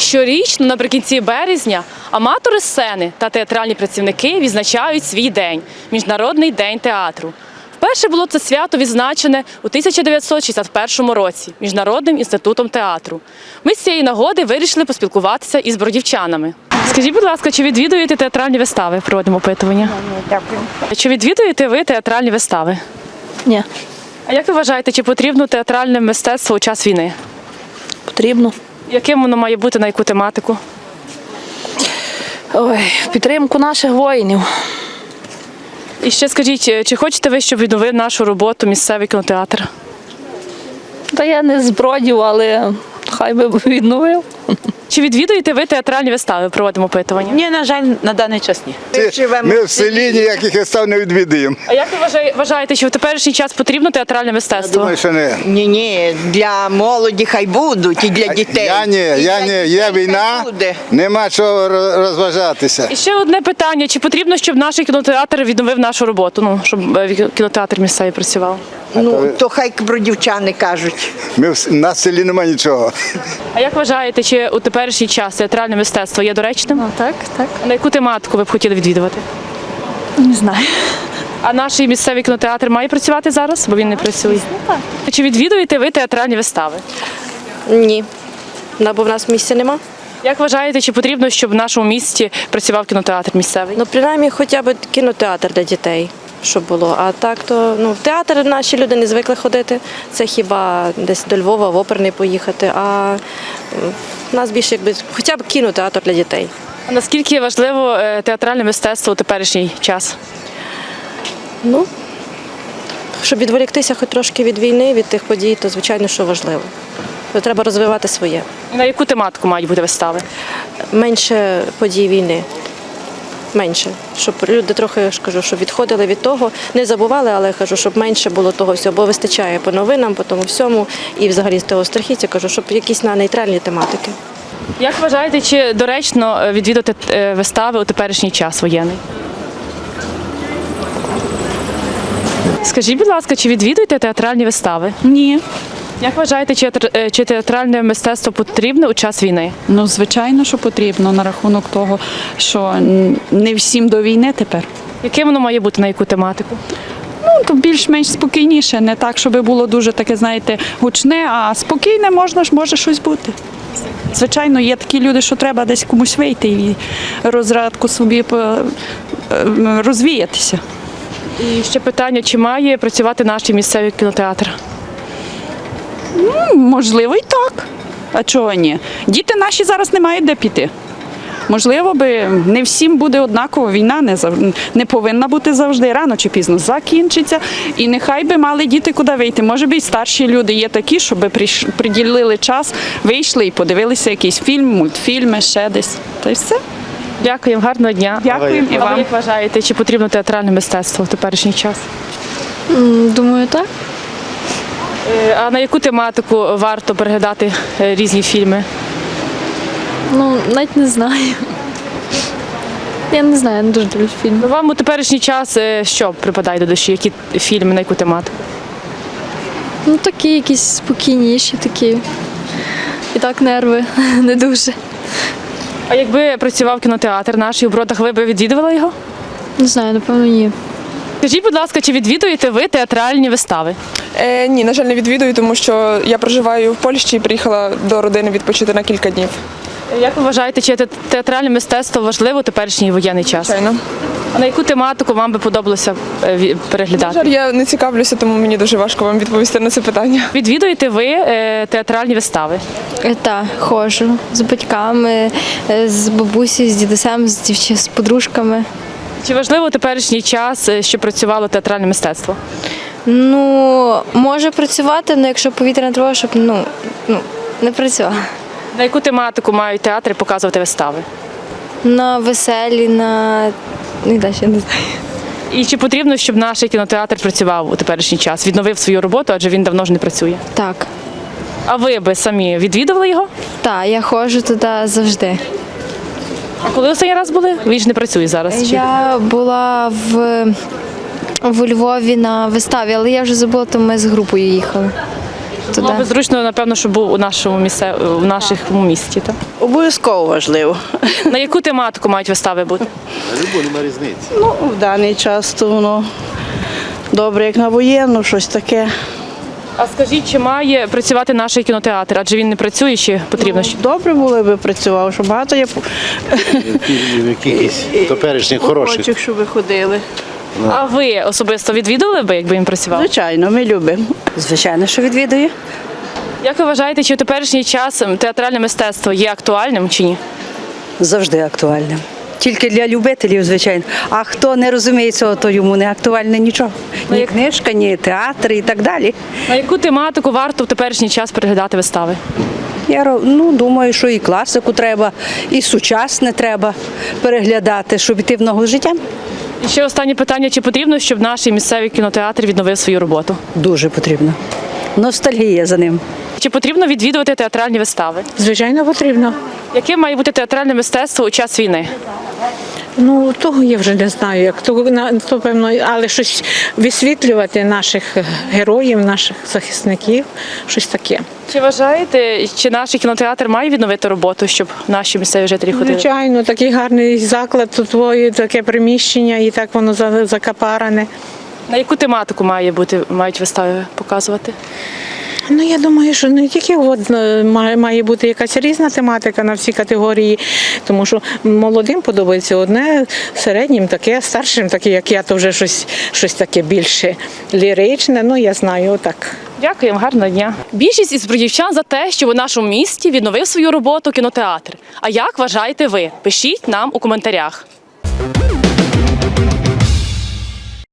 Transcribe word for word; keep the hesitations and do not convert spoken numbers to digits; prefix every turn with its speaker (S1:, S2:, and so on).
S1: Щорічно, наприкінці березня, аматори сцени та театральні працівники відзначають свій день – Міжнародний день театру. Вперше було це свято відзначене у тисяча дев'ятсот шістдесят першому році Міжнародним інститутом театру. Ми з цієї нагоди вирішили поспілкуватися із бродівчанами. Скажіть, будь ласка, чи відвідуєте театральні вистави? Проводимо опитування.
S2: Дякую.
S1: Чи відвідуєте ви театральні вистави?
S2: Ні.
S1: А як ви вважаєте, чи потрібно театральне мистецтво у час війни?
S2: Потрібно.
S1: Яким воно має бути, на яку тематику?
S2: Ой, в підтримку наших воїнів.
S1: І ще скажіть, чи хочете ви, щоб відновив нашу роботу місцевий кінотеатр?
S2: Та я не з Бродів, але хай би відновив.
S1: Чи відвідуєте ви театральні вистави? Проводимо опитування.
S3: Ні, на жаль, на даний час ні.
S4: Ми в селі ніяких вистав не відвідуємо.
S1: А як ви вважає- вважаєте, що в теперішній час потрібно театральне
S4: Я
S1: мистецтво?
S4: думаю, що не.
S5: Ні, ні, для молоді хай будуть і для дітей.
S4: Я ні,
S5: І
S4: я
S5: для
S4: ні. Є
S5: дітей
S4: війна,
S5: хай буде.
S4: нема чого роз- розважатися.
S1: І ще одне питання. Чи потрібно, щоб наш кінотеатр відновив нашу роботу? Ну, щоб е, кінотеатр місцевий працював?
S5: Ну, то хай бродівчани кажуть.
S4: Ми в, на селі немає нічого.
S1: А як вважаєте, чи у теперішній час театральне мистецтво є доречним?
S2: Так, так.
S1: А на яку тематику ви б хотіли відвідувати?
S2: Не знаю.
S1: А наш місцевий кінотеатр має працювати зараз, бо він не працює? Чи відвідуєте ви театральні вистави?
S6: Ні, Да, бо в нас місця нема.
S1: Як вважаєте, чи потрібно, щоб в нашому місті працював кінотеатр місцевий?
S6: Ну, принаймні, хоча б кінотеатр для дітей, щоб було. А так, то ну, в театр наші люди не звикли ходити. Це хіба десь до Львова, в оперний поїхати. А м, в нас більше якби хоча б кінотеатр для дітей.
S1: А наскільки важливо е, театральне мистецтво у теперішній час?
S6: Ну, щоб відволіктися хоч трошки від війни, від тих подій, то звичайно, що важливо. То треба розвивати своє.
S1: І на яку тематику мають бути вистави?
S6: Менше подій війни. Менше. Щоб люди трохи, я ж кажу, щоб відходили від того, не забували, але я кажу, щоб менше було того всього, бо вистачає по новинам, по тому всьому, і взагалі з того страхіття, кажу, щоб якісь на нейтральні тематики.
S1: Як вважаєте, чи доречно е, відвідати е, вистави у теперішній час воєнний? Скажіть, будь ласка, чи відвідуєте театральні вистави?
S7: Ні.
S1: Як вважаєте, чи, театр- е, чи театральне мистецтво потрібне у час війни?
S7: Ну, звичайно, що потрібно на рахунок того, що м, не всім до війни тепер.
S1: Яким воно має бути, на яку тематику?
S7: Ну, то більш-менш спокійніше, не так, щоб було дуже таке, знаєте, гучне, а спокійне можна ж, може щось бути. Звичайно, є такі люди, що треба десь комусь вийти і розрадку собі по- е, розвіятися.
S1: І ще питання, чи має працювати наш місцевий кінотеатр?
S7: Ну, можливо, і так. А чого ні? Діти наші зараз не мають де піти. Можливо, би не всім буде однаково. Війна не зав- не повинна бути завжди, рано чи пізно закінчиться. І нехай би мали діти куди вийти. Може би і старші люди є такі, щоб приш- приділили час, вийшли і подивилися якийсь фільм, мультфільми, ще десь. Та й все.
S1: Дякую, гарного дня.
S7: Дякуємо і
S1: А ви
S7: вам.
S1: як вважаєте, чи потрібно театральне мистецтво в теперішній час?
S2: Думаю, так.
S1: Е, А на яку тематику варто переглядати е, різні фільми?
S2: Ну, навіть не знаю. Я не знаю, я не дуже люблю фільми.
S1: Ну, вам у теперішній час е, що припадає до душі? Які фільми, на яку тематику?
S2: Ну, такі якісь спокійніші, такі. І так нерви не дуже.
S1: А якби працював кінотеатр наш у Бродах, ви б відвідували його?
S2: Не знаю, напевно, ні.
S1: Скажіть, будь ласка, чи відвідуєте ви театральні вистави?
S8: Е, ні, на жаль, не відвідую, тому що я проживаю в Польщі і приїхала до родини відпочити на кілька днів.
S1: Як ви вважаєте, чи те- театральне мистецтво важливо у теперішній воєнний час?
S8: Звичайно.
S1: А на яку тематику вам би подобалося е, ві-
S8: На
S1: переглядати?
S8: жаль, я не цікавлюся, тому мені дуже важко вам відповісти на це питання.
S1: Відвідуєте ви е, театральні вистави?
S9: Так, ходжу з батьками, е, з бабусею, з дідусем, з дівч... з подружками.
S1: Чи важливо у теперішній час, е, щоб працювало театральне мистецтво?
S9: Ну, може працювати, але якщо повітряна тривога, щоб ну, ну, не працювала.
S1: На яку тематику мають театри показувати вистави?
S9: На веселі, на ну, і далі я не знаю.
S1: І чи потрібно, щоб наш кінотеатр працював у теперішній час, відновив свою роботу, адже він давно ж не працює?
S9: Так,
S1: А ви би самі відвідували його?
S9: так, я ходжу туди завжди.
S1: А коли останній раз були? Він ж не працює зараз. Чи?
S9: Я була в, в Львові на виставі, але я вже забула, то ми з групою їхали.
S1: Було
S9: туди.
S1: б зручно, напевно, щоб був у нашому місце, у нашому місті. Так?
S3: Обов'язково важливо.
S1: На яку тематику мають вистави бути?
S3: Ну, в даний час то воно добре, як на воєнну, щось таке.
S1: А скажіть, чи має працювати наш кінотеатр? Адже він не працює, чи потрібно ще?
S3: Добре було би працював, що багато є
S10: Якихось теперішніх хороших.
S3: охочих, щоб ви ходили.
S1: А ви особисто відвідували би, якби він працював?
S3: Звичайно, ми любимо.
S5: Звичайно, що відвідую.
S1: Як ви вважаєте, чи в теперішній час театральне мистецтво є актуальним чи ні?
S5: Завжди актуальним. Тільки для любителів, звичайно. А хто не розуміє цього, то йому не актуальне нічого.
S1: Ну,
S5: Ні
S1: як-
S5: книжка, ні театр і так далі.
S1: На яку тематику варто в теперішній час переглядати вистави?
S5: Я ро- ну, думаю, що і класику треба, і сучасне треба переглядати, щоб іти в ногу з життям.
S1: І ще останнє питання: чи потрібно, щоб наш місцевий кінотеатр відновив свою роботу?
S5: Дуже потрібно. Ностальгія за ним.
S1: Чи потрібно відвідувати театральні вистави?
S11: Звичайно, потрібно.
S1: Яким має бути театральне мистецтво у час війни?
S11: Ну, того я вже не знаю, як то, на- то певно, але щось висвітлювати наших героїв, наших захисників, щось таке.
S1: Чи вважаєте, чи наш кінотеатр має відновити роботу, щоб наші місцеві жителі ходили?
S11: Звичайно, такий гарний заклад, тут твоє таке приміщення, і так воно за- закапаране.
S1: На яку тематику має бути, мають вистави показувати?
S11: Ну, я думаю, що не тільки от, е, має, має бути якась різна тематика на всі категорії, тому що молодим подобається одне, середнім таке, старшим таке, як я, то вже щось, щось таке більше ліричне, ну я знаю, отак.
S1: Дякуємо, гарного дня. Більшість із бродівчан за те, що у нашому місті відновив свою роботу кінотеатр. А як вважаєте ви? Пишіть нам у коментарях.